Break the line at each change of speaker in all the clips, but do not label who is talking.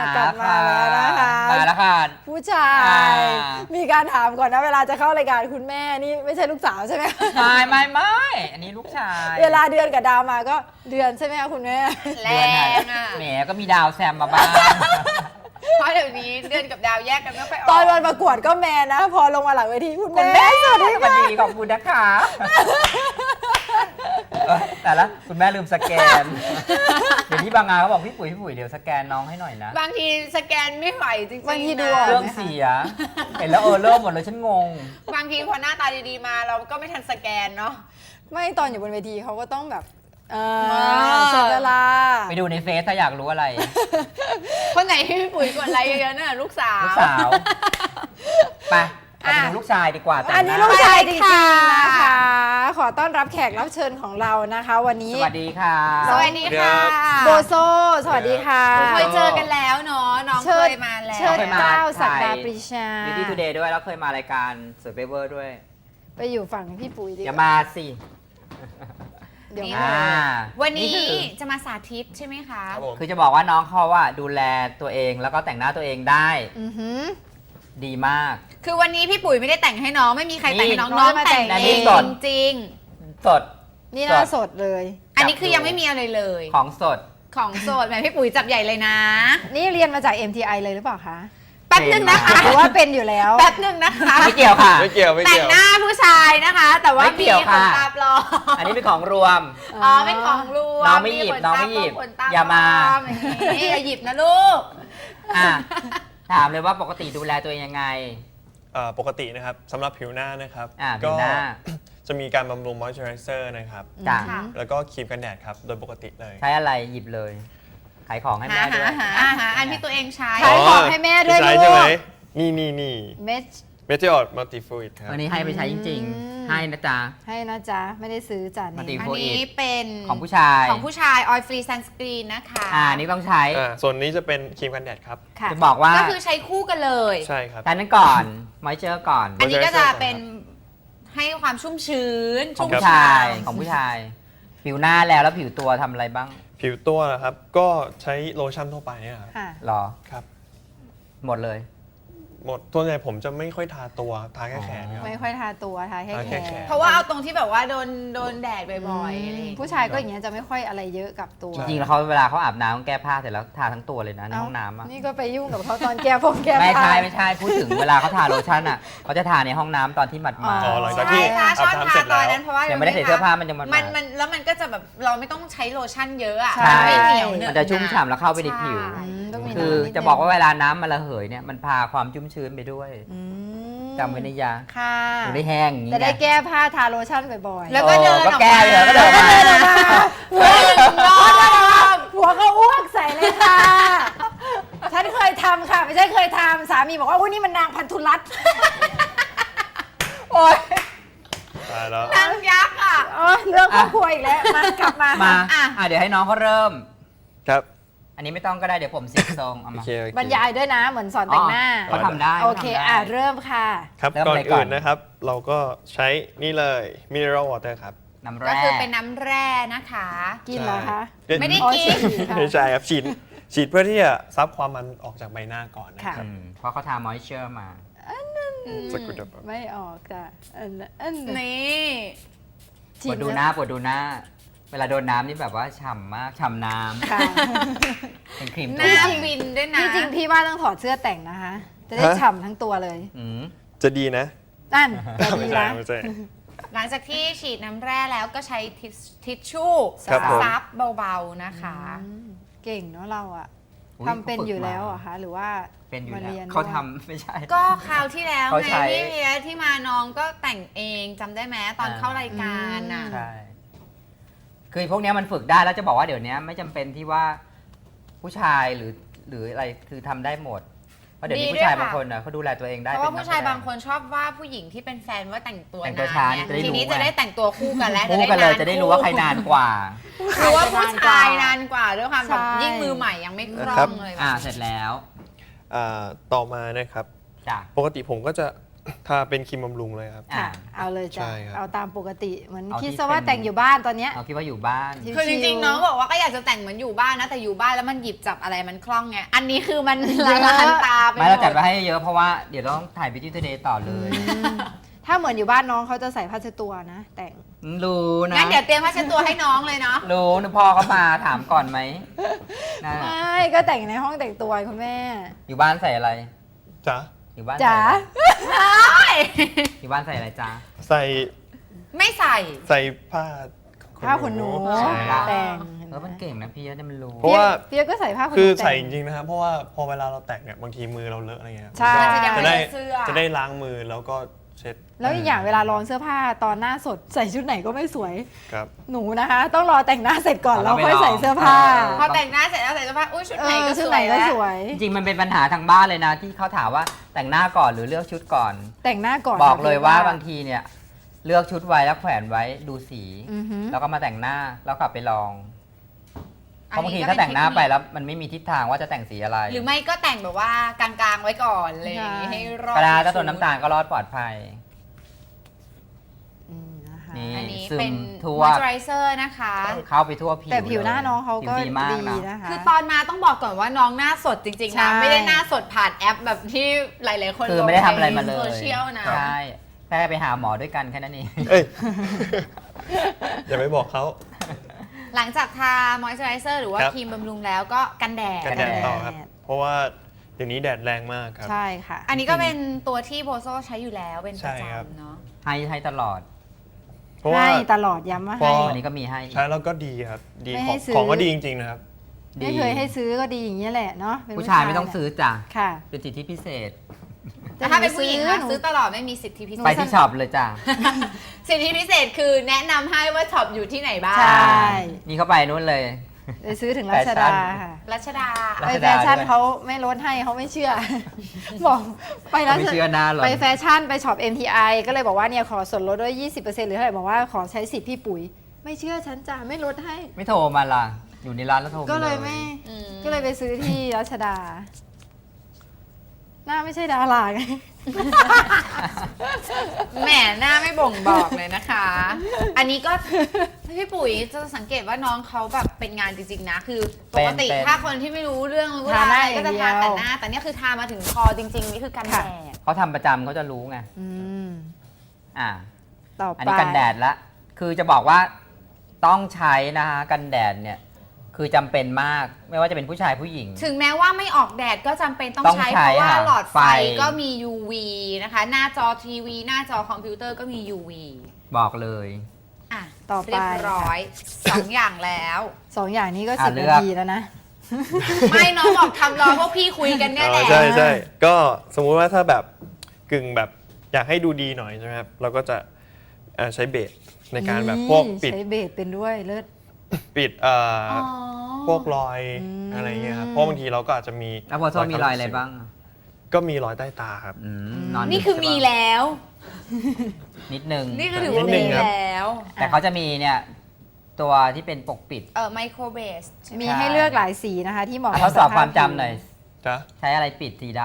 กลับมาแล้วนะคะ
มาแล้วค่ะ
ผู้ชายมีการถามก่อนนะเวลาจะเข้ารายการคุณแม่นี่ไม่ใช่ลูกสาวใช่ไหม
ไม่อันนี้ลูกชาย
เวลาเดือนกับดาวมาก็เดือนใช่ไหมคะคุณแม่
แรงอ่ะ
แหมก็มีดาวแซมมาบ้าง
เพราะเดี๋ยวนี้เดือนกับดาวแยกกันไม่ค่อยออก
ตอนวันประกวดก็แมนนะพอลงมาหลังเวทีคุณแม่
สวัสดีขอบคุณนะคะแต่ละคุณแม่ลืมสแกนเดี๋ยวนี้บางงานเขาบอกพี่ปุ๋ยเดี๋ยวสแกนน้องให้หน่อยนะ
บางทีสแกนไม่ไหวจริงๆ
บางทีดู
เรื่องเสียเห็นแล้วเริ่มหมดเลยฉันงง
บางทีพอหน้าตาดีๆมาเราก็ไม่ทันสแกนเนาะ
ไม่ตอนอยู่บนเวทีเขาก็ต้องแบบเสเวลา
ไปดูในเฟซถ้าอยากรู้อะไร
คนไหนที่พี่ปุ๋ยกดไลค์เยอะๆน่ะลูกสาว
ไปดูลูกชายดีกว่า
อันนี้ลูกชายจริงๆนะคะขอต้อนรับแขกรับเชิญของเรานะคะวันนี้
สวัสดีค่ะ
สวัสดีค่ะ
โบโซสวัสดีค่ะ
เคยเจอกันแล้วเนาะน้องเคยมาแล้ว
เชิญเก้าศักดาปรีชา
ดีดีทูเดย์ด้วยแล้วเคยมารายการสวยเวอร์ด้วย
ไปอยู่ฝั่งพี่ปุ๋ยดี
อย่ามาสิ
เดี๋ยว
วันนี้จะมาสาธิตใช่ไหมคะ
คือจะบอกว่าน้องเขาว่าดูแลตัวเองแล้วก็แต่งหน้าตัวเองได้ดีมาก
คือวันนี้พี่ปุ๋ยไม่ได้แต่งให้น้องไม่มีใครแต่งให้น้องน้องแต่งเองจริง
สด
นี่น่าสดเลย
อันนี้คือยังไม่มีอะไรเลย
ของสด
แหมพี่ปุ๋ยจับใหญ่เลยนะ
นี่เรียนมาจาก MTI เลยหรือเปล่าคะ
แป๊บนึงนะคะ
หรือว่าเป็นอยู่แล้ว
แป๊บนึงนะคะ
ไม่เกี่ยวค่ะ
ไม่เกี่ยว
แต่งหน้าผู้ชายนะคะแต่ว่ามีขนตาปลอม
อันนี้เป็นของรวม
เป็นของรวม
น้องไม่หยิบอย่ามา
อย่าหยิบนะลูก
ถามเลยว่าปกติดูแลตัวเองยังไง
ปกตินะครับสำหรับผิวหน้านะครับ
ก็
จะมีการบำรุงมอยส์เจอไรเซอร์นะครับแล้วก็ครีมกันแดดครับโดยปกติเลย
ใช้อะไรหยิบเลยขายของให้แม่ด้วย
อันที่ตัวเองใช้
ขายของให้แม่ด้วยลูก
ใช่ไหมนี่
เม
ทิออดมัลติฟูอิดครับ
อันนี้ให้ไปใช้จริงๆให้นะจ๊ะ
ไม่ได้ซื้อจ้ะ
อันนี้เป็น
ของผู้ชาย
ออยล์ฟรีซันสกรีนนะคะ
นี่ต้องใช้
ส่วนนี้จะเป็นครีมกันแดดครับ
จะบอกว่า
ก็คือใช้คู่กันเลย
ใช่ครับ
แต่นั้นก่อนมอยเจอร์ก่อน
อันนี้ก็จะเป็นให้ความชุ่มชื้น
ของผู้ชายผิวหน้าแล้วผิวตัวทำอะไรบ้าง
ผิวตัวนะครับก็ใช้โลชั่นทั่วไปครับ
หรอ
ครับ
หมดเลย
หมดตัวใหญ่ผมจะไม่ค่อยทาตัวทาแค่แขน
ไม่ค่อยทาตัวทาแค่แขน
เพราะว่าเอาตรงที่แบบว่าโดนแดดบ่อย
ๆผู้ชายก็อย่างเงี้ยจะไม่ค่อยอะไรเยอะกับตัว
จริงๆแล้วเขาเวลาเขาอาบน้ำแก้ผ้าเสร็จแล้วทาทั้งตัวเลยนะในห้องน้ำ
นี่ก็ไปยุ่งกับเขาตอนแก้ผ้า
ไม่ใช่พูดถึงเวลาเขาทาโลชั่นอ่ะเขาจะทาในห้องน้ำตอนที่หมาด
หลังจากที่อาบน้ำเสร็จแล้ว
ยังไม่ได้ใส่เสื้อผ้ามันจะ
มันแล้วมันก็จะแบบเราไม่ต้องใช้โลชั่นเยอะอ่ะ
ไม่เหนียวมันจะชุ่มฉ่ำแล้วเข้าไปในผิวคือจะบอกว่าเวลาน้ำมันระเหยเนี่ยมันพาความชุ่มชื้นไปด้วยจำไว้ในยา
ค่ะ
ได้แห้งอย่างนี้
จะได้แก้ผ้าทาโลชั่นบ่อยๆ
แล้วก็เดินออกมา
แก้เลยก็เดินมา
หัวก็อ้วกใส่เลยค่ะฉันเคยทำค่ะไม่ใช่เคยทำสามีบอกว่านี่มันนางพันธุรัตน์
โอ๊ย
ตายแล้ว
นางยักษ์อ่ะ
เรื่องครอบครัวอีกแล้วมากลับมา
เดี๋ยวให้น้องเขาเริ่ม
ครับ
อันนี้ไม่ต้องก็ได้เดี๋ยวผมเสียบทรงเอามา
บรรยายด้วยนะเหมือนสอนแต่งหน้า
เขาทำได้
โอเคเริ่มค่ะ
ครับก่อนอื่นนะครับเราก็ใช้นี่เลยมิเนอรัลวอเตอร์ครับ
น้ำแร่
ก็คือเป็นน้ำแร่นะคะ
กินเหรอคะ
ไม่ได้กิน
ไม่ใช่ครับฉีดเพื่อที่จะซับความมันออกจากใบหน้าก่อนนะครับ
เพราะเขาทามอยเจอร์มา
ไม่ออกจ้ะ
นี่
ปวดดูหน้าเวลาโดนน้ำนี่แบบว่าฉ่ำมากฉ่ำน้ำเป็นครีม
หน้าวินด้วยนะ
ที่จริงพี่ว่าต้องถอดเสื้อแต่งนะคะจะได้ฉ่ำทั้งตัวเลย
จะดีนะ
นั่นจะดีนะ
หลังจากที่ฉีดน้ำแร่แล้วก็ใช้ทิชชู่ซับเบาๆนะคะ
เก่งเนาะเราอะทำเป็นอยู่แล้วอะคะหรือว่า
เป็นอยู่แล้วเขาทำไม่ใช่
ก็คราวที่แล้วไงพี่เวียที่มาน้องก็แต่งเองจำได้ไหมตอนเข้ารายการน่ะ
ใช่คือพวกนี้มันฝึกได้แล้วจะบอกว่าเดี๋ยวนี้ไม่จำเป็นที่ว่าผู้ชายหรืออะไรคือทำได้หมดเพราะเดี๋ยวนี้ผู้ชายบางคนเขาดูแลตัวเองได้
เพราะว่าผู้ชายบางคนชอบว่าผู้หญิงที่เป็นแฟนว่าแต่งตัว
ช้า
ทีนี้จะได้แต่งตัวคู่กันแล้ว
คู่กันเลยจะได้รู้ว่าใครนานกว่า
คือว่าผู้ชายนานกว่าด้วยความแบบยิ่งมือใหม่ยังไม่คล่องเลย
เสร็จแล้ว
ต่อมานะครับปกติผมก็จะถ้าเป็นครีมบำรุงเลยครับ
ค่ะ เอาเลยจ้ะ
ใช่ครับ
เอาตามปกติเหมือน
เอา
คิด
ที่
ซะว่า
เป็น
แต่งอยู่บ้านตอนเนี้ย
เอาคิดว่าอยู่บ้าน
ชิวๆ
คือจริงๆน้องบอกว่าก็อยากจะแต่งเหมือนอยู่บ้านนะแต่อยู่บ้านแล้วมันหยิบจับอะไรมันคล่องไงอันนี้คือมันละลานตาไป
ไม่เราจัด
หม
ไว้ให้เยอะเพราะว่าเดี๋ยวต้องถ่าย Beauty Today ต่อเลย
ถ้าเหมือนอยู่บ้านน้องเขาจะใส่ผ้าเช็ดตัวนะ แต่ง
รู้นะ
งั้นเดี๋ยวเตรียมผ้าเช็ดตัวให้น้องเลยเนาะ
รู้นะพ่อเขามาถามก่อนไหมนะ
ไม่ก็แต่งในห้องแต่งตัวคุณแม่
อยู่บ้านใส่อะไร
จ๊ะ
อยู่บ้าน
จ๋า
ใส่อะไรอยู่บ้านใส่อะไรจ๊ะ
ใส่
ไม่ใส่
ใส่ผ้า
ผ้าขนหนู
ใช่
แต่ง
มันเก่งนะพี่เนี่ยมันรู้
เพราะว่า
เปียกก็ใส่ผ้าขนหนู
คือ
แต่
ใส่จริงๆนะครับ เพราะว่าพอเวลาเราแต่งเนี่ยบางทีมือเราเลอะอะไรเงี้ย
ใช่
มันจะยัง
จะ
ไม่
ได้
ได้เสื้อ
จะได้ล้างมือแล้วก็เช็ด
แล้วอีกอย่างเวลาลองเสื้อผ้าตอนหน้าสดใส่ชุดไหนก็ไม่สวย
ครับ
หนูนะคะ ต้องรอแต่งหน้าเสร็จก่อน
เอา
แล้ว
แล้ว
ค่อย
ไปลอง
ใส่เสื้อผ้า
พอแต่งหน้าเสร็จแล้วใส่เสื้อผ้าอุ้ยชุด
เอ
ไหน
อ
ก็
ชุ
ส
ด
ว
ไหน
ย
ก็
แล้ว
สวย
จริงๆมันเป็นปัญหาทางบ้านเลยนะ ที่เขาถามว่าแต่งหน้าก่อนหรือเลือกชุดก่อน
แต่งหน้าก่อน
บอกเลยว่า
ค่ะ
บางทีเนี่ยเลือกชุดไว้แล้วแขวนไว้ดูสี
อือหือ
แล้วก็มาแต่งหน้าแล้วกลับไปลองเพ
อัน
ราะบาง
นี้
ที
ก็
ถ้าแต่งหน้า
เป็นเทคนิค
ไปแล้วมันไม่มีทิศทางว่าจะแต่งสีอะไร
หรือไม่ก็แต่งแบบว่ากลางๆไว้ก่อนเลยให้รอด
กระดาษถ้าตัวน้ำตาลก็รอดปลอดภัย
นะคะ
นี่
อันนี้
ซึม
เป็น
ทั่
ม
ว
อยเจอไรเซอร์นะคะ
เข้าไปทั่วผิว
แต่ผิวหน้า
เลย
น้องเขาก็
ผิวดีมาก
ดี
นะ
นะคะ
คือตอนมาต้องบอกก่อนว่าน้องหน้าสดจริงๆ
ใช่
นะไม่ได้หน้าสดผ่านแอปแบบที่หลายๆคน
คือไม่ได้ทำอะไรมาเล
โซ
ย
เชียลนะ
ใช่แค่ไปหาหมอด้วยกันแค่นั้นเอง
เอ้ย อย่าไปบอกเขา
หลังจากทามอยเจอไรเซอร์หรือว่า
ครับ
ครีมบำรุงแล้วก็กันแดด
กันแดด
กันแดด
ต่อครับ เพราะว่าเดี๋ยวนี้แดดแรงมากครับ
ใช่ค่ะ
อันนี้ก็เป็นตัวที่โบโซใช้อยู่แล้วเป็นประ
ใช่ครับ
จำเนาะ
ให้ตลอด
เพราะว่า
ให้ตลอดย้ำว่า
พอ
ให้
วันนี้ก็มีให้
ใช้แล้วก็ดีครับ ดี
ไม่
ข
ให้
อง
ซื้อ
ของก็ดีจริงๆนะครับ
ไม่เคยให้ซื้อก็ดีอย่างนี้ยแหละเนาะเป็น
ผู้ชายไม่ต้องซื้อจ้ะ
ค่ะ
เป็นสิทธิพิเศษ
แต่ถ้าเป็นผู้หญิงนะ
หนู
ซื้อตลอดไม่มีสิทธิพิเศ
ไป
ษ
ที่ช็อปเลยจ้ะ
สิทธิพิเศษคือแนะนำให้ว่าช็อปอยู่ที่ไหนบ้าง
ใช่
นี่เขาไปนู่นเลย
ไปซื้อถึงรัชดาค่ะ
รัชดา
รั
ไป
ช
แฟ
ดา
ชั่น
ด้วย
เขาไม่ลดให้เขาไม่เชื่อ บอกไปรัช
ไม่เชื่อหน้าหรอก
ไปแฟชั่นไปช็อป MTI ก็เลยบอกว่าเนี่ยขอส่วนลดด้วย 20%หรือเท่าไหร่บอกว่าขอใช้สิทธิ์พี่ปุ๋ย ไม่เชื่อฉันจ้ะไม่ลดให้
ไม่โทรมาล่ะ อยู่ในร้านแล้วโทรมา
ก็เลยไม่
อืม
ก็เลยไปซื้อที่รัชดา หน้าไม่ใช่ดาราไง
แหมหน้าไม่บ่งบอกเลยนะคะ อันนี้ก็พี่ปุ๋ยจะสังเกตว่าน้องเขาแบบเป็นงานจริงๆนะ คือปกติ
เป็น
ถ้าคนที่ไม่รู้เรื่องรู้
ทาร
าว
หน้า
อะไรก็จะ
อย่าง
ทา
เดียว
แต่หน้า แต่เนี่ยคือทามาถึงคอจริงๆ นี่คือกันแด
ค่ะ
ด
เขาทำประจำเขาจะรู้ไง
อืม
อ่า
ต่อ
อัน
ไป
นี้กันแดดละ คือจะบอกว่าต้องใช้นะคะกันแดดเนี่ย คือจำเป็นมาก ไม่ว่าจะเป็นผู้ชายผู้หญิง
ถึงแม้ว่าไม่ออกแดดก็จำเป็นต้อง
ต้อง
ใช้
ใช้
เพราะว่า
ค่ะ
หลอดไฟ
ไฟ
ก็มี UV นะคะ หน้าจอทีวี หน้าจอคอมพิวเตอร์ก็มี UV
บอกเลย
อ่ะ
ต่อไป
เรียบร้อยสองอย่างแล้ว
สองอย่างนี้ก็
อ่ะ
10
เลื
นา
อก
ทีแล้วนะ
ไม่น้องบอกทำรอพวกพี่คุยกันเนี่ยแหละ
ใช่ใช่ก็สมมุติว่าถ้าแบบกึ่งแบบอยากให้ดูดีหน่อยใช่ไหมครับ เราก็จะใช้เบสในการแบบพวกปิด
ใช้เบสเป็นด้วยเลิศ
ปิด
อ๋อ
พวกรอยอะไรเงี้ยครับ เพราะบางทีเราก็อาจจะมี
แล้วพอโซมีรอยอะไรบ้าง
ก็มีรอยใต้ตาครับ
นอน
นี่คือมีแล้ว
นิดนึง
นี่คือถือว่า
นิดนึ
มี
งครับ
แล้ว
แต่เขาจะมีเนี่ยตัวที่เป็นปกปิด
ไมโครเบส
มีให้เลือกหลายสีนะคะ ที่เหมาะ
อ่ะ
กับ
ทดสอบ
ภพ
ความจำหน่อย
จ๊ะ
ใช้อะไรปิดสีด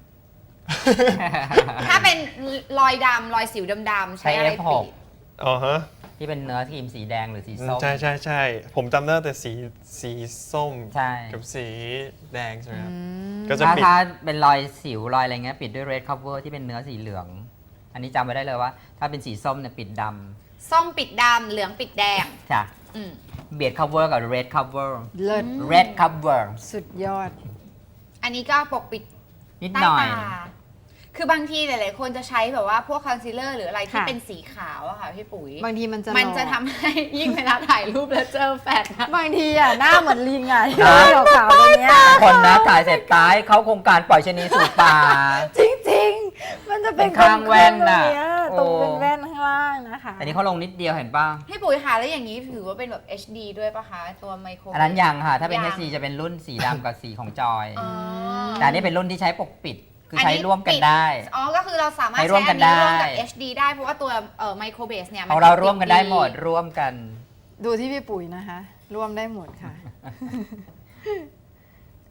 ถ้าเป็นรอยดำรอยสิวดำๆ
ำ
ใช้อะไร
F6
ปิด
อ๋อฮะ
ที่เป็นเนื้อครีมสีแดงหรือสีส้ม
ใช่ใช่ใช่ผมจำได้แต่สีส้ม
ใช่
กับสีแดงใช่ไหมครับ
อืม
ก็จะ
ถ้า
ปิด
ถ้าเป็นรอยสิวรอยอะไรเงี้ยปิดด้วย red cover ที่เป็นเนื้อสีเหลือง อันนี้จำไว้ได้เลยว่า ถ้าเป็นสีส้มเนี่ยปิดด
ส้มปิดดำเหลืองปิดแดง
ำจ้ะ
อืม
เบียด cover กับ red cover
เลิศ
red cover
สุดยอด
อันนี้ก็ปกปิด
นิด
ใต้
หน่อย
ตา คือบางทีหลายๆคนจะใช้แบบว่าพวกคอนซีลเลอร์หรืออะไรที่
ค่ะ
เป็นสีขาวอะค่ะพี่ปุ๋ย
บางทีมันจะ
มันจะ
หลอก
ทำให้ยิ่งเวลาถ่ายรูปแล้วเจอแฟนอะ
บางทีอ่ะหน้าเหมือนลิงอ่ะ
นะ
ขาวๆตรงเนี้ย
คนนะถ่ายเสร็จตายเขาโครงการปล่อยชะนีสู่ป่า
จริงๆ มันจะเป็น
เป็นข้างแว่นน่ะ
ตรงเป็น
โอ้
แว่นข้างล่างนะคะ
อันนี้เขาลงนิดเดียวเห็นป่ะ
พี่ปุ๋ยค่ะแล้วอย่างนี้ถือว่าเป็นแบบ HD ด้วยปะคะตัวไมโคร
อันนั้นยังค่ะ ถ้าเป็น
ยัง
HD จะเป็นรุ่นสีดำกับสีของจอย
อ๋อ
แต่อันนี้เป็นรุ่นที่ใช้ปกปิด คือ
อัน
ใช้
นี้
ร่วมกัน
ปิด
ได้
อ๋อ ก็คือเราสามารถ
ใช้
ใช้
ร่วม
อั
กัน
นนี้ร่วมกับ
ได้
HD ได้เพราะว่าตัวไมโครเบสเนี่ย
ของเราร่วมกันได้หมด
ติ
ร่วมกัน
ดูที่พี่ปุ๋ยนะคะ ร่วมได้หมดค่ะ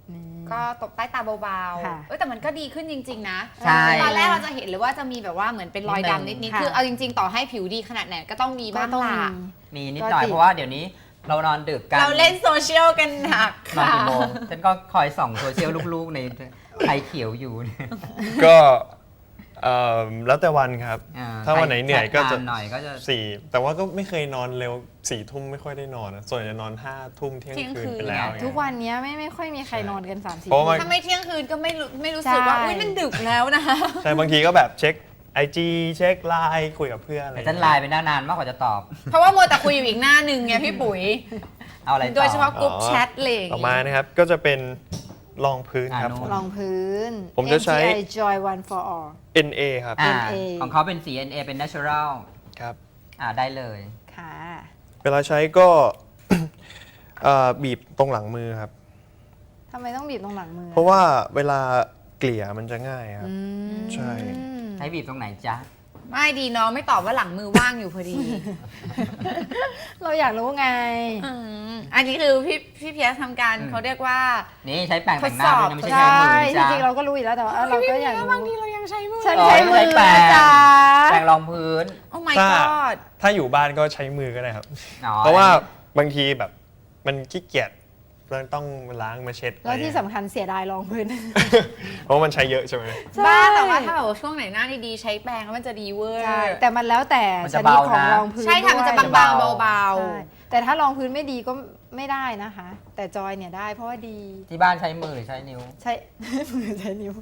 ก็ตบใต้ตาเบา
ค่ะ
ๆแต่มันก็ดีขึ้นจริงๆนะ
ใช่
ตอนแรกเราจะเห็นเลยว่าจะมีแบบว่าเหมือนเป็นรอยดำนิดๆ คือเอาจริงๆ ต่อให้ผิวดีขนาดไหนก็ต้องมี
ก็
บ้าง
ต้อง
ล่ะ
มี
มีนิดหน่อย
ก็ติด
เพราะว่าเดี๋ยวนี้เรานอนดึกกัน
เราเล่นโซเชียลกันหนัก
นอน
ค่ะ
กี่โมงฉันก็คอยส่องโซเชียลลูกๆในไทยเขียวอยู่เนี่ย
ก็แล้วแต่วันครับ
อ่า
ถ้าวันไหนเหนื่อยก็จะ
แชทนานหน่อยก็จะ
แต่ว่าก็ไม่เคยนอนเร็ว4 ทุ่มไม่ค่อยได้นอนนะส่วนใหญ่จะนอน5 ทุ่มเที่ยงคืนไปแล้ว
ทุกวันนี้ไม่ค่อยมีใครนอนกัน3-4
เพราะว่า
ถ้าไม่เที่ยงคืนก็ไม่รู้สึกว่า
ใช่
อุ้ยมันดึกแล้วนะ
ใช่บางทีก็แบบเช็ค IG เช็คไลน์คุยกับเพื่อนอะไร
แต่ฉันไลน์ไปนานมากกว่าจะตอบ
เพราะว่ามัวแต่คุยอยู่อีกหน้าหนึ่งไงพี่ปุ๋ย
เอาอะไรต่อ
โดยเฉพาะกลุ่มแชทเลย
ต่อมานะครับก็จะเป็นรองพื้นครับ
อ่า
รองพื้น
ผมจะใช้
MTI Joy One for All
NA ครับ
อ่า
NA
ของเขาเป็นสี NA เป็น natural
ครับ
ได้เลย
ค่ะ
เวลาใช้ก็ บีบตรงหลังมือครับ
ทำไมต้องบีบตรงหลังมือ
เพราะว่าเวลาเกลี่ยมันจะง่ายครับ ใช่
ให้บีบตรงไหนจ๊ะ
ไม่ดีน้องไม่ตอบว่าหลังมือว่างอยู่พอดี
เราอยากรู้ไง
อันนี้คือพี่เพียรทำการเขาเรียกว่า
นี่ใช้แปรงแต่งหน้าด้วยนะไม่ใช่
ใช่
ใช้มือ
จ
จ้ะ
ริงๆเราก็รู้อยู่แล้วแต่ว่าเราก็อยากรู้
บางทีเรายังใช้มือ
ฉันใช้มือ
ใช้แปรง
นะจ๊ะ
แปรงรองพื้น
โอ้ my
ถ้า
god
ถ้าอยู่บ้านก็ใช้มือก็ได้ครับ
อ๋อ
เพราะว่าบางทีแบบมันขี้เกียจเราต้องล้างมาเช็ด
แล้วที่สำคัญเสียดายรองพื้น
เพราะว่ามันใช้เยอะใช่ไหม
บ้าแต่ว่าถ้าแบบว่าช่วงไหนหน้าดีๆใช้แปรงแล้วมันจะดีเวอร์
ใช่แต่มันแล้วแต่
มัน
ช
จะ
นิด
เบา
ของ
นะ
รองพื้น
ใช่ค่ะมันจะ
ด้วย
บางๆเบา
ใช่แต่ถ้ารองพื้นไม่ดีก็ไม่ได้นะคะ แต่จอยเนี่ยได้เพราะว่าดี
ที่บ้านใช้มือหรือใช้นิ้ว
ใช้ มือใช้นิ้ว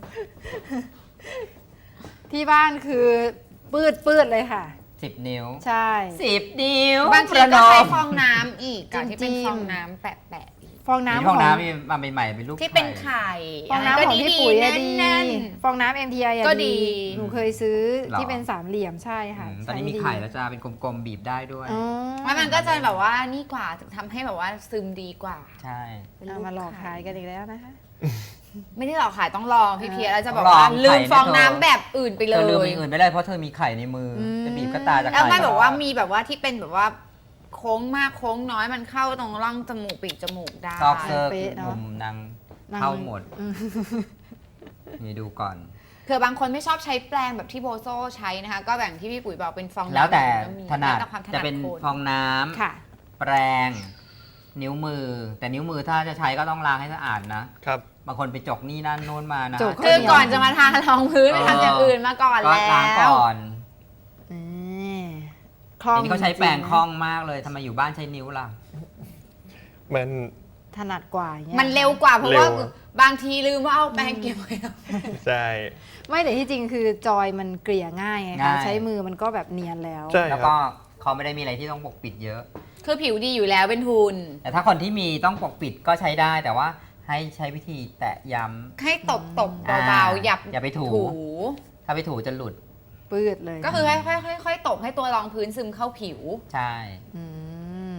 ที่บ้านคือปืดเลยค่ะ
10 นิ้ว
ใช่
10 นิ้ว
ๆบางที
ประน
ก็
อ
ใช้
ม
ฟองน้ำอีกการที่เป็น
จิ้มๆ
ฟองน้ำแปะๆอีก
ฟองน้ำ
นี่ห้องน้ำนี่มาใหม่ๆเป็นลูก
ที่เป็น
ไข่
ไข่
ฟองน้ำของพี่ปุ๋ยอะดี
แน่น
ฟองน้ำ MTI อะ
ก็ดี
หนูเคยซื้อ
หรอ
ที่เป็นสามเหลี่ยมใช่ค่ะ
ตอนนี้มี
ใช้ดี
ไข่แล้วจ้าเป็นกลมๆบีบได้ด้วย
อ๋อ
ๆแล้วมันก็จะแบบว่านี่กว่าทำให้แบบว่าซึมดีกว่า
ใช่
เอามาหลอกขายกันอีกแล้วนะคะ
ไม่ได้หรอกขายต้องลองพี่เพียรแล้วจะบอก
ต้องลอง
ว่าลืม
ไข่
ฟอง
เนี่ย
น้ำแบบอื่นไปเล
เธอลืม
ย
อย่างอื่นไม่ได้เพราะเธอมีไข่ในมืออ
ม
จะบีบก็ตาจะ
แล้ว
ไข่
ไม่แบบว่ามีแบบว่าที่เป็นแบบว่าโค้งมากโค้งน้อยมันเข้าตรงร่องจมูกปีกจมูกได้
ซอกเซอร์
เป๊ะเนอะ
มุมนาง
นาง
เข้าหมด
อืม
นี่ดูก่อน
เผื่อบางคนไม่ชอบใช้แปรงแบบที่โบโซใช้นะคะ ก็แบ่งที่พี่ปุ๋ยบอกเป็นฟองน้ำ
แล้วแต่
ก็มี
ถนัด
แล้วแต่ความถ
จะ
นัด
เป็น
คน
ฟองน้ำ
ค่ะ
แปรง นิ้วมือ แต่นิ้วมือถ้าจะใช้ก็ต้องล้างให้สะอาดนะ
ครับ
บางคนไปจกนี่นั่นโน้นมานะ
จก
คือก่อนจะมาทารองพื้นไปทำอย่างอื่นมาก่อน
ก็
แล้
ล้าง
ว
ก่อน
นี่คล่อง
ทีนี้เขาใช้แปรง
จๆ
คล่องมากเลยทำไมอยู่บ้านใช้นิ้วล่ะ
มัน
ถนัดกว่าอย่างเงี้ย
มันเร็วกว่าเพราะว่า
เร็ว
บางทีลืมว่าเอาแปรงเก็บไว้
ใช่
ไม่แต่ที่จริงคือจอยมันเกลี่ยง่ายไง
ง่า
คะ
ย
ใช้มือมันก็แบบเนียนแล้ว
ใช่
แล้ว
ครั
ก็
บ
เขาไม่ได้มีอะไรที่ต้องปกปิดเยอะ
คือผิวดีอยู่แล้วเป็นทุน
แต่ถ้าคนที่มีต้องปกปิดก็ใช้ได้ แต่ว่าให้ใช้วิธีแตะย้
ให้ตบ
อ่า
เบาๆอย่า
ไปถู ำถ้าไปถูจะหลุด
ปืดเลย
ก็คือค่อยๆตบให้ตัวรองพื้นซึมเข้าผิว
ใช่
อืม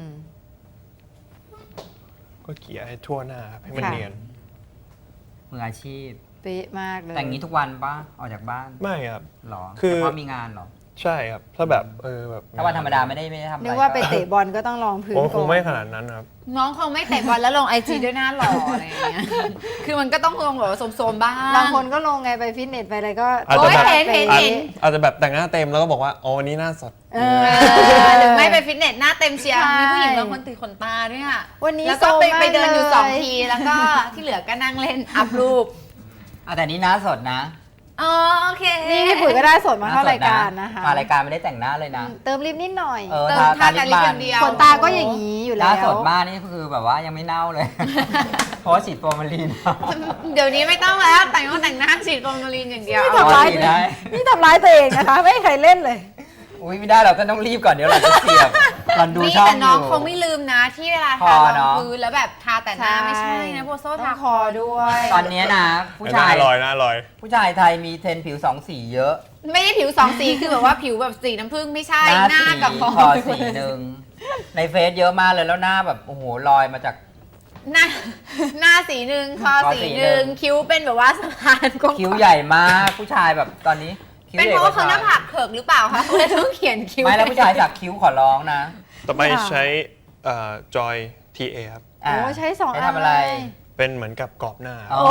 ก็เกลี่ยให้ทั่วหน้าครับให้มัน
ค่ะ
เนียน
มืออาชีพ
เป๊ะมากเลย
แต่งนี้ทุกวันปะออกจากบ้าน
ไม่ครับ
หรอ
คือ
เฉพาะมีงานหรอ
ใช่ครับ ถ้าแบบแบบ
ถ้าวันธรรมดาไม่ได้ทำอะไร
นึกว่าไปเตะบอลก็ต้องลองพื้น
ผม
ก่
ค
อง น
ไม่ขนาดนั้นครับ
น้องคงไม่เตะบอลแล้วลงไอจีด้วยหน้าหล่ออะไรอย่างเงี้ย คือมันก็ต้องลงแบบว่าโสมๆบ้าง
บางคนก็ลงไงไปฟิตเนสไปอะไรก็
อาจจะแบบ
โอ้ยเห็น
อาจจะแบบแต่งหน้าเต็มแล้วก็บอกว่าอ๋อวันนี้หน้าสด
เอ
หรือไม่ไปฟิตเนสหน้าเต็มเชียร์
ใช่
มีผู้หญิงบางคนติดขนตาด้วยอ่ะ
วันนี้
แล้วก็
โซมมาก
ไปเดินอยู่
เลย
2 ทีแล้วก็ที่เหลือก็นั่งเล่นอัพรูป
แต่นี้หน้าสดนะ
อ๋อโอเค
นี่พี่ปุ๋ยก็ได้สดมาเข้า
หน้สด
รายการนะคะ
มารายการไม่ได้แต่งหน้าเลยนะ
เติมลิปนิดหน่อย
เออ
เติมทาแต่ลิปอย่างเดียว
ขนตาก็อย่างนี้อยู่
ห
แล้
น้าว สดมากนี่คือแบบว่ายังไม่เน่าเลย เพราะว่าฉีดโฟร์มาลีน
เดี๋ยวนี้ไม่ต้องแล้วแต่งหน้าฉีดฟอร์มาลีนอย่างเดียว
ไม่
เอา
ทำร้าย
ฉีดได้
นี่ทำร้ายตัวเองนะคะ ไม่ให้ใครเล่นเลย
อุ้ยไม่ได้เราต้องรีบก่อนเดี๋ยวเราจะเสียบตอนดู
นี่
ช่อง
แต่
อ
น้อง
ยู่
คงไม่ลืมนะที่เวลา
ค
ทา
อ
ร
เน
อง
อะ
พื้นแล้วแบบทาแต่หน้าไม่ใช่นะโบโซ
ต้
ทา
องคอด้วย
ตอนเนี้ยนะ ผู้
ห
ชา
น้าย ลอยหน้าลอย
ผู้ชายไทยมีเทรนด์ผิวสองสีเยอะ
ไม่ได้ผิว2 สีคือแบบว่าผิวแบบสีน้ำผึ้งไม่ใช่หน้า
สี
กับคอ
คอสีหนึ่งในเฟซเยอะมากเลยแล้วหน้าแบบโอ้โหลอยมาจาก
หน้าสีหนึ่งคอ
คอ
สี
สี
ห
หนึ่
นึ่ง
ง
คิ้วเป็นแบบว่าสะพานกว้างๆ
คิ้วใหญ่มากผู้ชายแบบตอนนี้คิ้ว
เป็น
ใหญ่
เพราะว่าเขา
ก
หน้าผากเขิกหรือเปล่าคะเขาเลยต้องเขียนคิ้ว
ไม่แล้วผู้ชายสักคิ้วขอร้องนะ
ต่อไปใช้จอย TA ครับ
โอ้ใช้2 อัน
ทำอะไร
เลย
เป็เป็นเหมือนกับกรอบหน้า
อ๋อ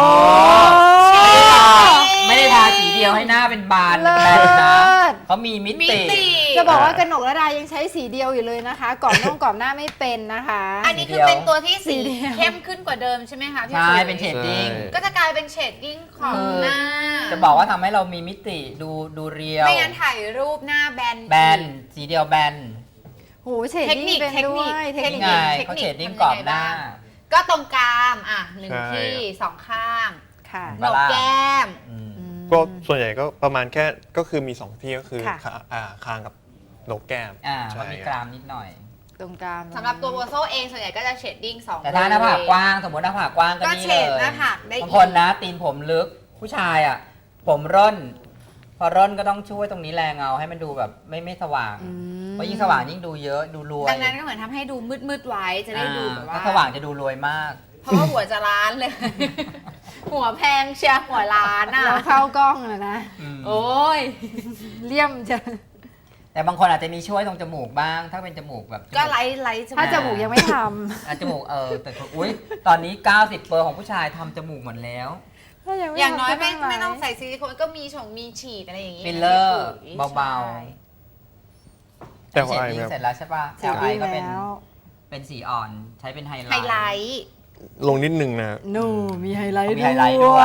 ไม่ได้ทาสีเดียวให้หน้าเป็นบานเป็นแบนนะเขามีมิ
มิ
ติ
ติ
จะบอกว่ากนกระดายังใช้สีเดียวอยู่เลยนะคะกรอบกรอบหน้าไม่เป็นนะคะ
อันนี้คือเป็นตัวที่สี
สีเดียว
เข้มขึ้นกว่าเดิมใช่ไหมคะพี่
ใช่
ปุ๋ย
เป็นเชดดิ้ง
ใช่
ก็จะกลายเป็นเชดดิ้งของหน้า
จะบอกว่าทำให้เรามีมิติดูเรียว
ไม่งั้นถ่ายรูปหน้าแบน
แบนสีเดียวแบน
โหเฉด
เทค
ดิ้ง
นิค
เป็น
เทค
ด้
นิ
ว
ค
ย
เทคนิ
ไงเขาเชดดิ้งกรอบหน้า
ก็ตรงกลางหนึ่ง
ใช่
ที่สองข้าง
ค่ะ
โหนกแก้ม
อืม
ก็ส่วนใหญ่ก็ประมาณแค่ก็คือมี 2 ที่ก็คือ
ค่ะ
คางกับโหนกแก้ม
เขา
ใช่
มี
ค
ก
รับ
รามนิดหน่อย
ตรงกลาง
สำหรับตัวโบโซเองส่วนใหญ่ก็จะเชดดิ้งสอง
แต่ถ้าหน้าผากกว้างสมมติหน้าผากกว้างก็
ก็
นี่
เฉ
เลย
ดหน้าผากได้อีก
บางคนนะตีนผมลึกผู้ชายอ่ะ ผมร่น พอร่นก็ต้องช่วยตรงนี้แรงเอาให้มันดูแบบไม่สว่าง เพราะยิ่งสว่างยิ่งดูเยอะดูรวย
ดังนั้นก็เหมือนทำให้ดูมืดๆไว้จะได้ดูแบบว่า
ถ้าสว่างจะดูรวยมาก
เพราะว่าหัวจะล้านเลย หัวแพงเชียร์หัวล้านอ่ะ
เราเข้ากล้องอะนะ
โอ้ย
เลี่ยมจะ
แต่บางคนอาจจะมีช่วยตรงจมูกบ้าง ถ้าเป็นจมูกแบบ
ก็ไลท์
ถ้าจมูกยังไม่ท
อ่ะจมูกแต่อุ้ยตอนนี้ 90%ของผู้ชายทำจมูกหมดแล้ว
ำถ้ายังไม่
อย่างน้อย
ทำก็
ไม่ต้อง
ไลฟ์
ใส่ซิลิโคนก็มีมีฉีดอะไรอย่างงี้
ฟิลเลอร์
พี่
เบา
ใช่
แต่
เสร็จ
ว่า
นี้
แบบ
เสร็จแล้วใช่ป่ะ
เสร็จ
LI ก็เป็น
แล้ว
เป็นสีอ่อนใช้เป็นไฮไล
ไฮ
ท์
ไลท์
ลงนิดนึงนะ
หนูมีไฮไลท์
มีไฮไลท์ด้
ด้
ว
วย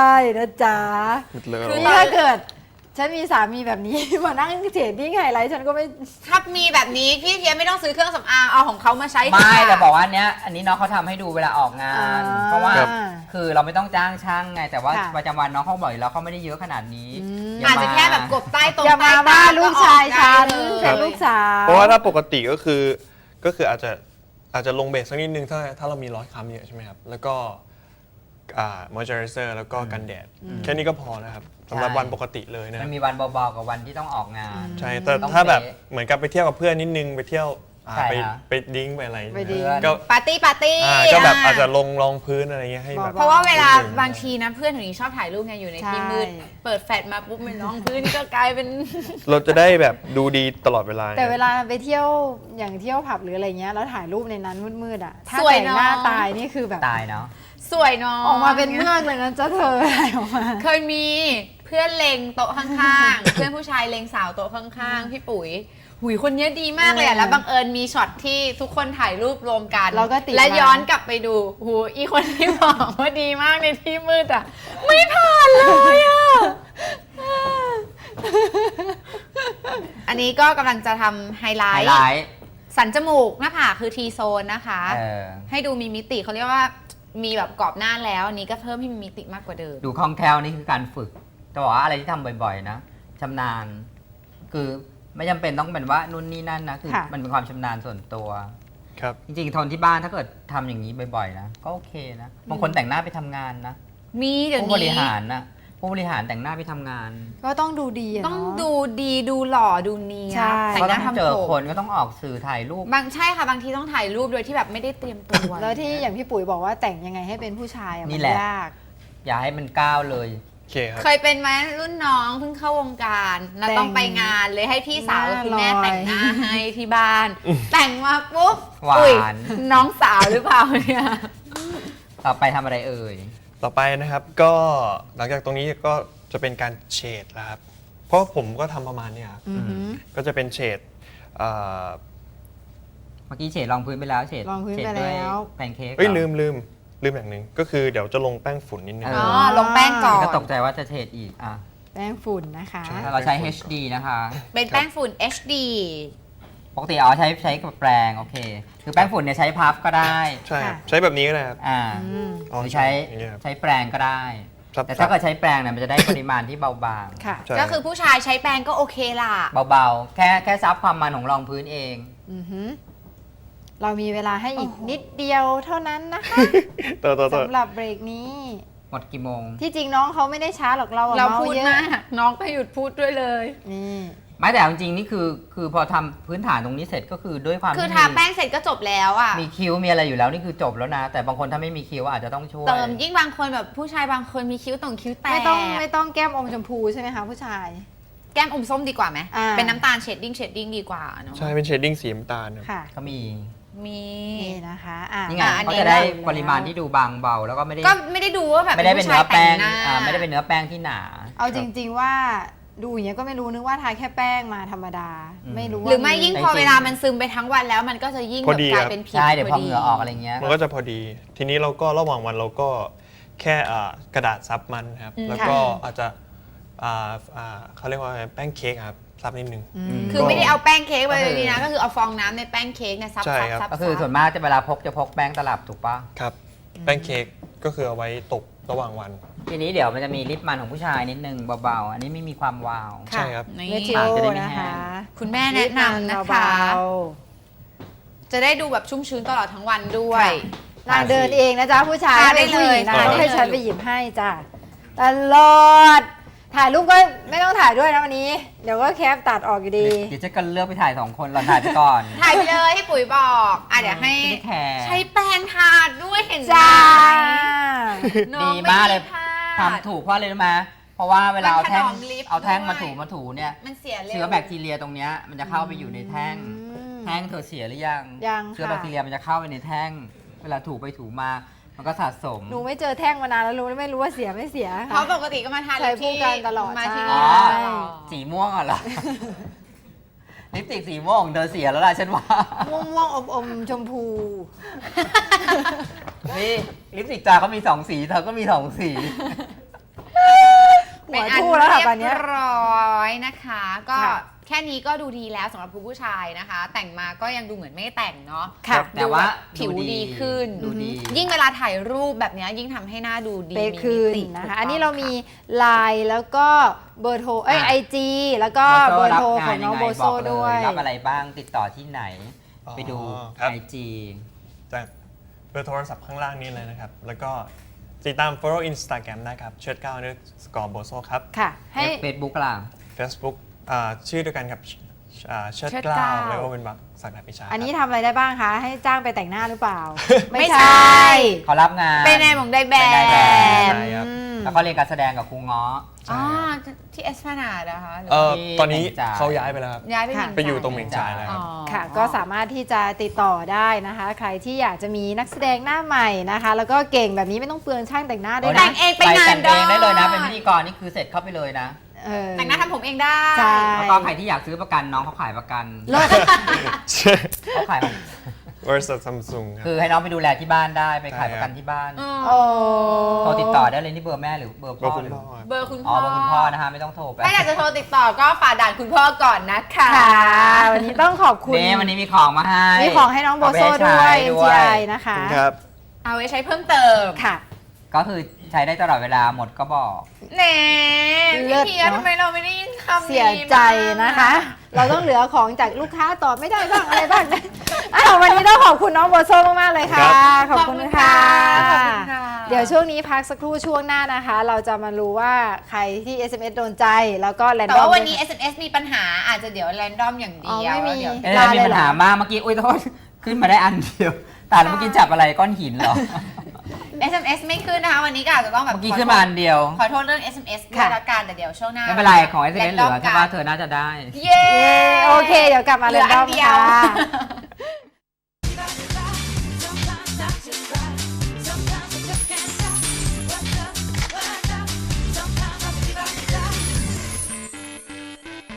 ยนะจ๊ะ
หมดเลย
นี่ถ้าเกิด ฉันมีสามีแบบนี้ มานั่งเฉดดิ้งไฮไลท์ฉันก็ไม่
ถ้ามีแบบนี้พี่เทียไม่ต้องซื้อเครื่องสำอางเอาของเขามาใช้
ไม่
ค่ะ
แต่บอกว่าอันนี้น้องเขาทำให้ดูเวลาออกงาน
อ่า
เพราะว่า
ครับ
คือเราไม่ต้องจ้างช่างไง แต่ว่า
ค่ะ
ประจำวันน้องเขาบอกอยู่แล้วเขาไม่ได้เยอะขนาดนี้
อืม
ย่
อาจจะ
ม
แค่แบบกบใต้ตรง
อย่า
ใต้
มา
ตา
ว่าลูกชายฉัน
ก็ออก
เป็
ได้
น
เลย
ลูกสาว
เพราะว่าถ้าปกติก็คืออาจจะลงเบสสักนิดนึงถ้าเรามีรอยค้ำเยอะใช่ไหมครับ แล้วก็มอยเจอไรเซอร์แล้วก็กันแดด แค่นี้ก็พอนะครับสำหรับวันปกติเลยนะ
มันมีวันเบาๆกับวันที่ต้องออกงาน
ใช่แต่
ต้อง
ถ้าแบบ
เป๊ะ
เหมือนกับไปเที่ยวกับเพื่อนนิดนึงไปเที่ยว
ใช่
ไป
ฮะ
ไปดิ้งไปอะไร
ไปดิ้ง
ก็
ปาร์ตี้
ก็แบบอาจจะลงรองพื้นอะไรเงี้ยให้แบบ
เพราะว่าเวลา
นิดนึง
บางทีนะเพื่อนหนูนี่ชอบถ่ายรูปไงอยู่ในที่
ใช่
มืด เปิดแฟลชมาปุ๊บเป็นน้องพื้นก็กลายเป็น
เราจะได้แบบดูดีตลอดเวลา
แต่เวลาไปเที่ยวอย่างเที่ยวผับหรืออะไรเงี้ยแล้วถ่ายรูปในนั้นมืดๆอ่ะถ้า
สวย
แต่งหน้า
เนอะ
ตายนี่คือแบบ
ตายเนาะ
สวยเนาะ
ออกมาเป็นเมือกเลยนะจ๊ะเธอถ่ายออกมา
เคยมีเพื่อนเลงโต๊ะข้างๆ เพื่อนผู้ชายเลงสาวโต๊ะข้างๆ พี่ปุ๋ยหุยคนเนี้ยดีมากเลยอะแล้วบังเอิญมีช็อตที่ทุกคนถ่ายรูปรวมกัน
เราก็ติด
และ
มา
ย้อนกลับไปดูหูอีคนที่บอกว่าดีมากในที่มืดอะไม่ผ่านเลยอะอันนี้ก็กำลังจะทำไฮไล
ไฮ
ท์
ไลท์
สันจมูกหน้าผากคือทีโซนนะคะ ให้ดูมีมิติเขาเรียกว่ามีแบบกรอบหน้าแล้วอันนี้ก็เพิ่มให้มีมิติมากกว่าเดิม
ดูคล่องแคล่วนี่คือการฝึกแต่บอกว่าอะไรที่ทำบ่อยๆนะชำนาญ คือไม่จำเป็นต้องเป็นว่านู่นนี่นั่นนะคือ
ค่ะ
มันเป็นความชำนาญส่วนตัว
ครับ
จริงๆทนที่บ้านถ้าเกิดทำอย่างนี้บ่อยๆนะก็โอเคนะบางคนแต่งหน้าไปทำงานนะ
มีเดี๋ยว
ผู้บริ
นี้
หารนะผู้บริหารแต่งหน้าไปทำงาน
ก็ต้องดูดีอะ
ต้อง
เนาะ
ดูดีดูหล่อดูเนีย
ใช่
บแต่ง
ก็
ห
ต้
น้า
องเจ
ทำ
อ
ผ
คน
ม
ก็ต้องออกสื่อถ่ายรูป
ใช่ค่ะบางทีต้องถ่ายรูปโดยที่แบบไม่ได้เตรียมตัว
แล้วที่อย่างพี่ปุ๋ยบอกว่าแต่งยังไงให้เป็นผู้ชายอะ
นี่
มัน
แหละ
ยาก
อย่าให้มันก้าวเลย
โอเคครับ
เคยเป็นไหมรุ่นน้องเพิ่งเข้าวงการแล้วต้องไปงานเลยให้พี่สาวกับคุณแม่แต่งหน้าให้ที่บ้าน แต่งมาปุ๊บ
หวาน
อุ๊ยน้องสาวหรือเปล่าเนี่ย
ต่อไปทำอะไรเอ่ย
ต่อไปนะครับก็หลังจากตรงนี้ก็จะเป็นการเฉดแล้วครับเพราะผมก็ทำประมาณเนี้ยครับ
อือหือ
ก็จะเป็นเฉดเอ่อ
เมื่อกี้เฉดรองพื้นไปแล้วเฉด
รองพื้น
เฉด
ไป
ด้วย
แล้ว
แพนเค้ก
เอ้ย
เหรอ
ลืมอย่างหนึ่งก็คือเดี๋ยวจะลงแป้งฝุ่นนิดนึง
เอ
อ๋อลงแป้งก่อน
ก็ตกใจว่าจะเฉดอีกอ่ะ
แป้งฝุ่นนะคะ
ใช่
เราใช้ HD นะคะ
เป็นแป้งฝุ่น HD
ปกติใช้กับแปรงโอเค คือแป้งฝุ่นเนี่ยใช้พับก็ได้
ใช่ครับ
ค่ะ
ใช้แบบนี้ก็ได้ครับ
อ่า
อืม
อ๋อ
หรือใช้
อย่างเงี้ยครับ
ใช้แปรงก็ได้
ครับ
แต่ถ้าเกิดใช้แปรงเนี่ยมันจะได้ปริมาณที่เบาบาง
ค่ะ
ใช่
ก็คือผู้ชายใช้แป้งก็โอเคล่ะ
เบาๆ แค่ซับความมันของรองพื้นเอง
อือหือเรามีเวลาให้อีก
โอ้โห
นิดเดียวเท่านั้นนะคะ
ต่อ
สำหรับเบรกนี้
หมดกี่โมง
ที่จริงน้องเขาไม่ได้ช้าหรอกเราอะ
เรา
เมา
พูด
เยอะ
มากน้องก็หยุดพูดด้วยเลย
นี่
ไม่แต่เอาจริงๆนี่คือพอทำพื้นฐานตรงนี้เสร็จก็คือด้วยความ
คือ
ที่
ทาแป้งเสร็จก็จบแล้วอ่ะ
มีคิ้วมีอะไรอยู่แล้วนี่คือจบแล้วนะ แต่บางคนถ้าไม่มีคิ้วอาจจะต้องช่วย
เติมยิ่งบางคนแบบผู้ชายบางคนมีคิ้วตรงคิ้วแตก
ไม่ต้องแก้มอมชมพูใช่ไหมคะผู้ชาย
แก้มอมส้มดีกว่าไหม
อ่า
เป็นน้ำตาลเชดดิ้งดีกว่าเนาะ
ใช่เป็นเชดดิ้งสีน้ำตาลครับ
ค่ะ
ก็มี
มี
นี่นะคะอ่ะ
นี่ไง
อันนี้
เขาจะได้ปริมาณที่ดูบางเบาแล้วก็ไม่ได้
ก็ไม่ได้ดูว่าแบบ
ไม่ได้เป็น
ผู้
เนื้
ชา
อย แป้ง
ต่หน้า
ไม่ได้เป็นเนื้อแป้งที่หนา
เอาจริง ๆว่าดูอย่างเงี้ยก็ไม่รู้นึกว่าทาแค่แป้งมาธรรมดา
อืม
ไม่รู้ว่า
หรือไม่ยิ่งพอ
จริงๆ
เวลามันซึมไปทั้งวันแล้วมันก็จะยิ่ง
พอดี
แบบกลาย
ครับ
เป็นผิว
ใช่เดี๋ยวพอ
ดี
เหงื่อออกอะไรเงี้ย
มันก็จะพอดี ทีนี้เราก็ระหว่างวันเราก็แค่กระดาษซับมันครับ แล้วก็อาจจะเขาเรียกว่าแป้งเค้กครับซับนิดนึง
คือไม่ได้เอาแป้งเค้กไป
ก็คือ
ดีนะก็คือเอาฟองน้ำในแป้งเค้กเนี่ยซับ
ใช่
ซับ
ครับ
ซับ
ก็คือส่วนมากจะเวลาพกจะพกแป้งตลับถูกปะ
ครับ แป้งเค้กก็คือเอาไว้ตกระหว่างวัน
ทีนี้เดี๋ยวมันจะมีลิปมันของผู้ชายนิดนึงเบาๆ อันนี้ไม่มีความวาว
ใช่ครับ
นี่
เวจิ
ปา
โอก
จะได้ไม่
นะ
แห้
คะ
ง
คุณแม่แนะนำนะคะ
เบา
จะได้ดูแบบชุ่มชื้นตลอดทั้งวันด้วย
ๆนางเดินเองนะจ๊ะผู้ชาย
ทาได้
เป็นผู้หญิง
เลย
นะ
ทาได้
ต้องให้
เลย
ฉันไปหยิบให้จ้ะตลอดถ่ายรูปก็ไม่ต้องถ่ายด้วยนะวันนี้ เดี๋ยวก็แคปตัดออกอยู่ดี
เดี๋ยวจะกันเลือกไปถ่าย2 คนเราถ่ายไปก่อน
ถ่ายไปเลยให้ปุ๋ยบอกเดี๋ยวให้
ไม่ได้แคร์
ใช้แป้งทาด้วยเห็นไหม
จ้า
น้อง
ดีมากเลย
ไพลาด
ทำถูกเพราะอะไรรู้ไหมเพราะว่าเวลาเอาแท่ง
มันถนอมลิป
เอาแท่ง
ด้วย
มาถูเนี่ย
มันเสียเร็ว
เชื้อแบคทีเรียตรงเนี้ยมันจะเข้าไปอยู่ในแท่ง แท่งเธอเสียหรือยัง
ยัง
เชื้อ
ค่ะ
แบคทีเรียมันจะเข้าไปในแท่ง เวลาถูไปถูมา มันก็สะสม
หนูไม่เจอแท่งมานานแล้วรู้ไม่รู้ว่าเสียไม่เสีย
เพราะปกติก็มาทาน
ใช้คู่กันตลอด
มาที่
ใช่
นี่
อ๋อ
ตลอด
สีม่วงเหรอ ลิปสติกสีม่วงของเธอเสียแล้วล่ะฉันว่า
ม่วงๆอมๆชมพู
นี่ลิปสติกจาเขามี2 สีเธอก็มี2 สี
หัวทู่แล้วค่ะตอนเนี้ย
เรียบร้อยนะคะ ก็
ค่ะ
แค่นี้ก็ดูดีแล้วสำหรับผู้ชายนะคะ แต่งมาก็ยังดูเหมือนไม่ได้แต่งเนาะ
ค่ะ
แต่ว่า
ผิวดีขึ้น
ดูดี
ยิ่งเวลาถ่ายรูปแบบเนี้ยยิ่งทำให้หน้าดูดี
เป๊ะ
มี
คืน
มิติ
นะ
ถูก
คะ
ต้ง
อันนี้เรามีไลน์แล้วก็เบอร์โทรไอจีแล้วก็เบอร์โทรของน้องโบโซด้วย
รับอะไรบ้างติดต่อที่ไหน
อ๋อ
ไปดู
ครับ
IG
จากเบอร์โทรศัพท์ข้างล่างนี้เลยนะครับ แล้วก็ติดตาม follow Instagram ได้ครับเชิด9นึกสกอร์โบโซครับ
ค่ะ ให้
เฟซบุ๊กล่ะ
Facebook ชื่อเดียวกันครับเชิด
เชิด
9
เก้า
แล้วก็เป็นบักศักดาพิชา
อันนี้
ครับ
ทำอะไรได้บ้างคะ ให้จ้างไปแต่งหน้าหรือเปล่า
ไม่ใช่
เขารับงาน
เป็นนายหมงได้แบ
เป็นนายแบบ
บ
ใช่ครับ
แล้วก็เรียนการแสดงกับครูง้อ
อ๋อที่เอสพนาดนะคะหรือ
ตอนนี้
ที่จ่าย
เขาย้ายไปแล้วครับ
ย้ายไป
ค่ะ
หมิง
ไปอยู่ตรงเห
จ่า
ม่งจ่ายแล้วครับ
ค่ะ ก็สามารถที่จะติดต่อได้นะคะ ใครที่อยากจะมีนักแสดงหน้าใหม่นะคะ แล้วก็เก่งแบบนี้ไม่ต้องเปลืองช่างแต่งหน้าด้วย
แต่
นะ
งเองไปงาน
แต่งเองได้เลยนะ
ได้
เป็นพิธีกรนี่คือเสร็จเข้าไปเลยนะ
เออ
แต่งหน้าทำผมเองได้
ใช่
แล้วก็ใครที่อยากซื้อประกันน้องเขาขายประกัน
เลิศ
เขาขายของ
บริษัทซัมซุงครับ
คือให้น้องไปดูแลที่บ้านได้ไปขายประกันที่บ้าน
โอ้
โทรติดต่อได้เลยนี่เบอร์แม่หรือเบอร์
ก็
พ่อ
คุณ
หรือ
พ่อครับ
เบอร์คุณ
อ๋
พ่
อ
อ
เบอร์คุณพ่อนะคะไม่ต้องโทรไป
ถ้าอยากจะโทรติดต่อก็ฝ่าด่านคุณพ่อก่อนนะคะ
ค่ะ วันนี้ต้องขอบคุณ
นี่วันนี้มีของมาให้
มีของให้น้องโบโซด้วย
เอาไปให้ใช้
MGI นะคะ
ครับ
เอาไว้ใช้เพิ่มเติม
ค่ะ
ก็คือใช้ได้ตลอดเวลาหมดก็บอก
เน่
เลิศ
พี่เพีย
เนอะ
ทำไมเราไม่ได้ยินคำนี้
เสียใจนะคะ เราต้องเหลือของจากลูกค้าตอบไม่ได้บ้างอะไรบ้างวันนี้ต้องขอบคุณน้องโบโซมากๆเลยค่ะ ขอบคุณค่ะ
ขอบคุณค่ะ
เดี๋ยวช่วงนี้พักสักครู่ช่วงหน้านะคะ เราจะมารู้ว่าใครที่ SMS โดนใจแล้วก็แรนดอม
แต่ว่าวันนี้ SMS มีปัญหาอาจจะเดี๋ยวแรนดอมอย่างเดียว
อ๋อไม่มี
เดี๋ยว
เอ้ยมีปัญหามากเมื่อกี้อุ้ยโทษขึ้นมาได้อันเดียวแต่เมื่อกี้จับอะไรก้อนหินเหรอ
SMS ไม่ขึ้นนะคะ วันนี้ก็อาจจะต้องแบบ
เมื่อกี้ขึ้นมาอันเดียว
ขอโทษเรื่อง SMS ด้วยละกันแต่เดี๋ยวช่วงหน้า
ไม่เป็นไรของ s อ s เหลือใช่ป่ะเธอน่าจะได้
เย้
โอเค เดี๋ยวกลับมา
เห
แร
ลือน
ด
อั
อน ม
เดียว
ค่ะ